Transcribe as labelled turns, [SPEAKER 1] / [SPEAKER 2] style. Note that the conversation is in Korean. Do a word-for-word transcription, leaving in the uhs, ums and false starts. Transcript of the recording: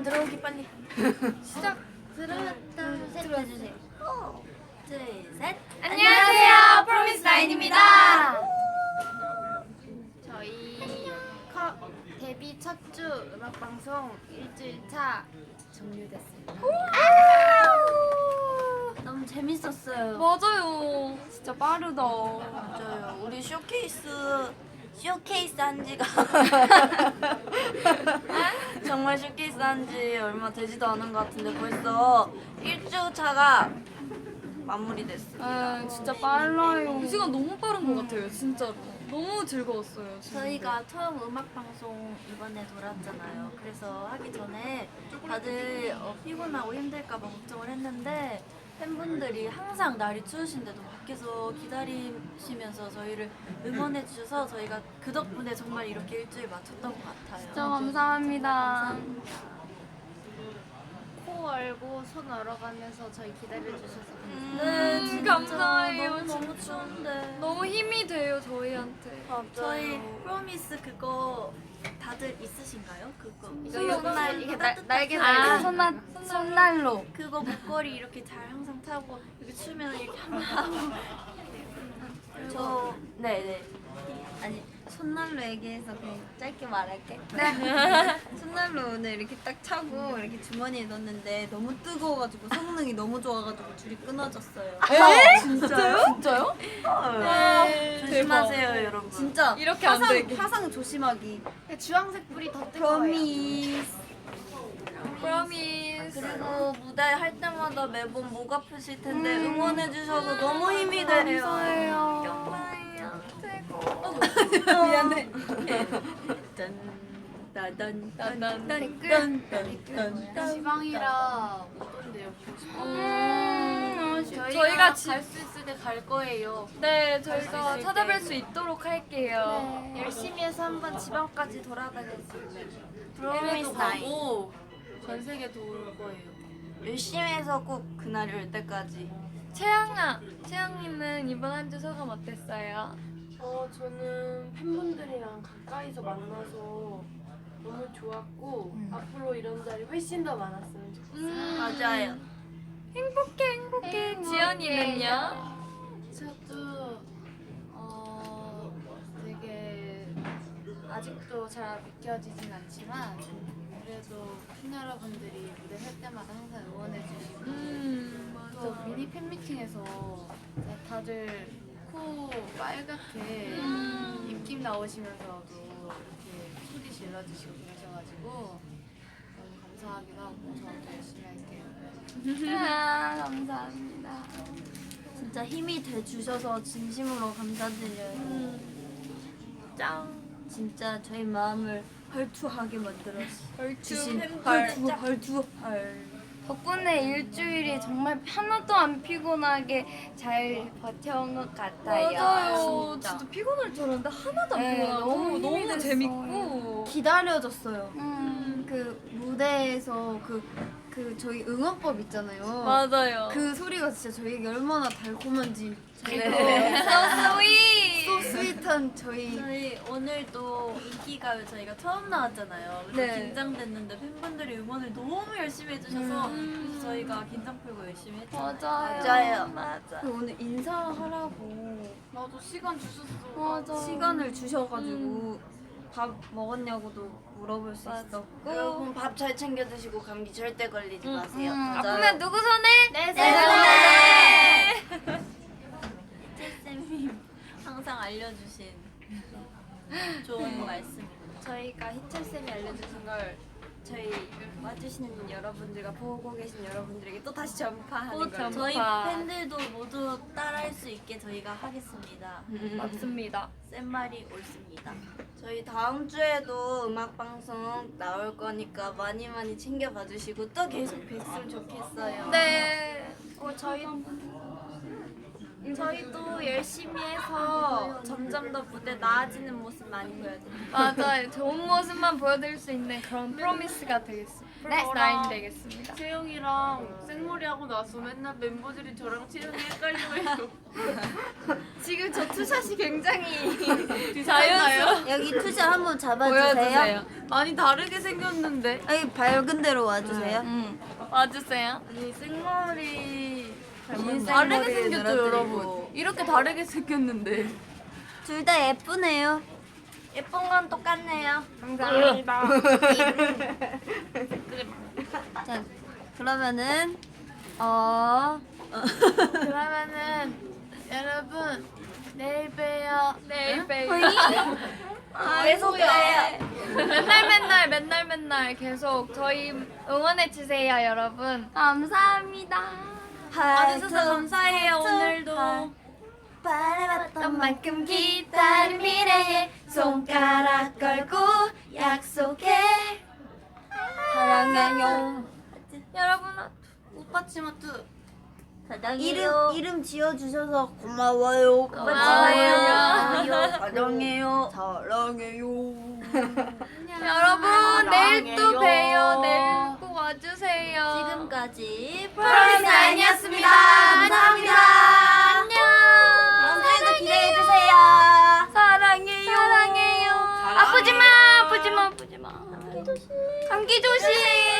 [SPEAKER 1] 들어오기 빨리.
[SPEAKER 2] 시작.
[SPEAKER 1] 들어왔다. 셋 해주세요. 하나, 둘, 셋.
[SPEAKER 2] 안녕하세요, 프로미스 나인입니다. 저희 커, 데뷔 첫 주 음악 방송 일주일 차 종료됐습니다.
[SPEAKER 1] 너무 재밌었어요.
[SPEAKER 2] 맞아요. 진짜 빠르다.
[SPEAKER 1] 맞아요. 우리 쇼케이스 쇼케이스 한 지가 정말 쇼케이스 한 지 얼마 되지도 않은 것 같은데 벌써 일 주 차가 마무리됐습니다.
[SPEAKER 2] 아, 진짜 빨라요. 이 시간 너무 빠른 것 같아요, 진짜로. 너무 즐거웠어요. 진짜.
[SPEAKER 1] 저희가 처음 음악 방송 이번에 돌았잖아요. 그래서 하기 전에 다들 어, 피곤하고 힘들까 봐 걱정을 했는데 팬분들이 항상 날이 추우신데도 밖에서 기다리시면서 저희를 응원해 주셔서 저희가 그 덕분에 정말 이렇게 일주일 맞췄던 것 같아요.
[SPEAKER 2] 진짜 감사합니다. 코 얼고 손 얼어가면서 저희 기다려주셔서
[SPEAKER 1] 네,
[SPEAKER 2] 음,
[SPEAKER 1] 진짜
[SPEAKER 2] 감사해요,
[SPEAKER 1] 너무, 너무
[SPEAKER 2] 진짜.
[SPEAKER 1] 추운데.
[SPEAKER 2] 너무 힘이 돼요, 저희한테.
[SPEAKER 1] 저희 프로미스 그거 다들 있으신가요? 그거 이거
[SPEAKER 2] 손-
[SPEAKER 1] 요날
[SPEAKER 2] 이게
[SPEAKER 1] 이거
[SPEAKER 2] 날- 날개
[SPEAKER 1] 따뜻한
[SPEAKER 2] 달린
[SPEAKER 1] 아,
[SPEAKER 2] 손날 손난로.
[SPEAKER 1] 그거 목걸이 이렇게 잘 항상 차고 이렇게 추면 이렇게 한번 하고 저 네네 아니
[SPEAKER 3] 손난로 얘기해서 그냥 짧게 말할게.
[SPEAKER 2] 네.
[SPEAKER 3] 손난로 오늘 이렇게 딱 차고 이렇게 주머니에 넣었는데 너무 뜨거워가지고 성능이 너무 좋아가지고 줄이 끊어졌어요.
[SPEAKER 2] 에? 진짜요? 진짜요?
[SPEAKER 1] 네. 조심하세요 여러분.
[SPEAKER 3] 진짜
[SPEAKER 2] 이렇게 안
[SPEAKER 3] 화상,
[SPEAKER 2] 되게.
[SPEAKER 3] 화상 조심하기.
[SPEAKER 2] 주황색 불이 더 뜨거워요.
[SPEAKER 3] 프로미스.
[SPEAKER 2] 프로미스.
[SPEAKER 1] 그리고 무대 할 때마다 매번 목 아프실 텐데 응원해 주셔서 너무 힘이 돼요.
[SPEAKER 2] 감사해요.
[SPEAKER 1] 감사해요.
[SPEAKER 3] 미안해.
[SPEAKER 2] 댓글
[SPEAKER 1] 지방이라 못 온대요.
[SPEAKER 2] 음,
[SPEAKER 1] 저희가,
[SPEAKER 2] 저희가 지-
[SPEAKER 1] 갈 수 있을 때 갈 거예요.
[SPEAKER 2] 네,
[SPEAKER 1] 갈수
[SPEAKER 2] 저희가
[SPEAKER 1] 있을
[SPEAKER 2] 찾아뵐
[SPEAKER 1] 때.
[SPEAKER 2] 수 있도록 할게요.
[SPEAKER 1] 열심히 해서 한번 지방까지 돌아다녔습니다.
[SPEAKER 3] 프로미스
[SPEAKER 1] 해외도
[SPEAKER 3] 나인.
[SPEAKER 1] 가고 전 세계 돌 거예요. 열심히 해서 꼭 그날이 올 때까지.
[SPEAKER 2] 채영아, 채영님은 이번 한 주 소감 어땠어요?
[SPEAKER 4] 어, 저는 팬분들이랑 가까이서 만나서 너무 좋았고 앞으로 이런 자리 훨씬 더 많았으면 좋겠어요.
[SPEAKER 1] 맞아요.
[SPEAKER 2] 행복해, 행복해. 지연이는요?
[SPEAKER 5] 저도 어 되게 아직도 잘 믿겨지진 않지만 그래도 팬 여러분들이 무대 설 때마다 항상 응원해 주시고
[SPEAKER 2] 음,
[SPEAKER 5] 또 미니 팬미팅에서 다들 코 빨갛게 입김 나오시면서도 이렇게 소리 질러주시고 그러셔가지고 너무 감사하기도 하고 저도 열심히 할게요.
[SPEAKER 2] 아, 감사합니다.
[SPEAKER 1] 진짜 힘이 돼 주셔서 진심으로 감사드려요.
[SPEAKER 2] 짱.
[SPEAKER 1] 진짜 저희 마음을 헐투하게 만들어 주신
[SPEAKER 2] 헐.
[SPEAKER 1] 헐투 헐투 헐.
[SPEAKER 2] 덕분에 일주일이 정말 하나도 안 피곤하게 잘 버텨온 것 같아요.
[SPEAKER 3] 맞아요.
[SPEAKER 2] 진짜.
[SPEAKER 3] 진짜 피곤할 줄 알았는데 하나도 안
[SPEAKER 2] 네,
[SPEAKER 3] 피곤하고
[SPEAKER 2] 너무 힘이
[SPEAKER 3] 너무
[SPEAKER 2] 됐어요.
[SPEAKER 3] 재밌고
[SPEAKER 1] 기다려졌어요.
[SPEAKER 2] 음,
[SPEAKER 3] 그 무대에서 그, 그 저희 응원법 있잖아요.
[SPEAKER 2] 맞아요.
[SPEAKER 3] 그 소리가 진짜 저희에게 얼마나 달콤한지 저희가
[SPEAKER 1] 네.
[SPEAKER 2] so sweet.
[SPEAKER 3] 소 스윗한 저희
[SPEAKER 1] 저희 오늘도 인기가요 저희가 처음 나왔잖아요. 그래서
[SPEAKER 2] 네.
[SPEAKER 1] 긴장됐는데 팬분들이 응원을 너무 열심히 해주셔서 그래서 저희가 긴장 풀고 열심히 했잖아요.
[SPEAKER 2] 맞아요.
[SPEAKER 1] 맞아요.
[SPEAKER 2] 맞아.
[SPEAKER 3] 그 오늘 인사하라고
[SPEAKER 4] 나도 시간 주셨어.
[SPEAKER 2] 맞아.
[SPEAKER 3] 시간을 주셔가지고 밥 먹었냐고도 물어볼 수 있었고
[SPEAKER 1] 여러분 밥 잘 챙겨 드시고 감기 절대 걸리지 마세요.
[SPEAKER 2] 음,
[SPEAKER 1] 맞아요.
[SPEAKER 2] 아프면 누구 손에?
[SPEAKER 1] 내
[SPEAKER 2] 손에.
[SPEAKER 1] 쌤이 항상 알려주신 좋은 말씀입니다.
[SPEAKER 3] 저희가 희철쌤이 알려주신 걸 저희 와주시는 여러분들과 보고 계신 여러분들에게 또 다시 전파하는
[SPEAKER 2] 또
[SPEAKER 3] 거예요.
[SPEAKER 2] 전파.
[SPEAKER 1] 저희 팬들도 모두 따라할 수 있게 저희가 하겠습니다.
[SPEAKER 2] 맞습니다.
[SPEAKER 1] 센 말이 옳습니다. 저희 다음 주에도 음악 방송 나올 거니까 많이 많이 챙겨봐 주시고 또 계속 뵀으면 좋겠어요.
[SPEAKER 2] 네.
[SPEAKER 1] 어, 저희 저희도 열심히 해서 점점 더 무대 나아지는 모습 많이 보여드릴게요.
[SPEAKER 2] 맞아요. 좋은 모습만 보여드릴 수 있는 그런 프로미스가 되겠습니다.
[SPEAKER 5] 네, 나인 되겠습니다.
[SPEAKER 4] 채영이랑 생머리 하고 나서 맨날 멤버들이 저랑 채영이 헷갈려해요.
[SPEAKER 3] 지금 저 투샷이 굉장히
[SPEAKER 4] 자연스러워.
[SPEAKER 1] 여기 투샷 한번 잡아주세요.
[SPEAKER 4] 많이 다르게 생겼는데.
[SPEAKER 1] 여기 밝은 데로 와주세요.
[SPEAKER 3] 응. 와주세요.
[SPEAKER 4] 이 생머리
[SPEAKER 1] 긴
[SPEAKER 4] 다르게
[SPEAKER 1] 생머리를
[SPEAKER 4] 생겼죠
[SPEAKER 1] 늘어뜨리고.
[SPEAKER 4] 여러분. 이렇게 다르게 생겼는데.
[SPEAKER 1] 둘 다 예쁘네요.
[SPEAKER 3] 예쁜 건 똑같네요.
[SPEAKER 4] 감사합니다.
[SPEAKER 1] 자, 그러면은 어
[SPEAKER 5] 그러면은 여러분 내일 봬요.
[SPEAKER 3] 내일 봬요.
[SPEAKER 1] 계속 그래요.
[SPEAKER 5] 맨날 맨날 맨날 맨날 계속 저희 응원해 주세요, 여러분. 감사합니다.
[SPEAKER 1] 와주셔서
[SPEAKER 3] 감사해요, 오늘도.
[SPEAKER 1] 바라봤던 만큼 기다린 미래에 손가락 걸고 약속해. 사랑해요.
[SPEAKER 5] 여러분 오빠 치마트
[SPEAKER 1] 이름 이름 지어 주셔서 고마워요.
[SPEAKER 5] 고마워요.
[SPEAKER 1] 사랑해요. 사랑해요.
[SPEAKER 5] 여러분 내일 또
[SPEAKER 1] 사랑해요.
[SPEAKER 5] 봬요. 내일 꼭 와주세요.
[SPEAKER 1] 지금까지
[SPEAKER 5] 프로미스나인이었습니다.
[SPEAKER 1] 감사합니다.
[SPEAKER 5] 안녕.
[SPEAKER 1] 다음 주에도 기대해 주세요.
[SPEAKER 5] 사랑해요. 사랑해요. 아프지 마. 아프지 마. 아프지 마. 감기 조심. 감기 조심.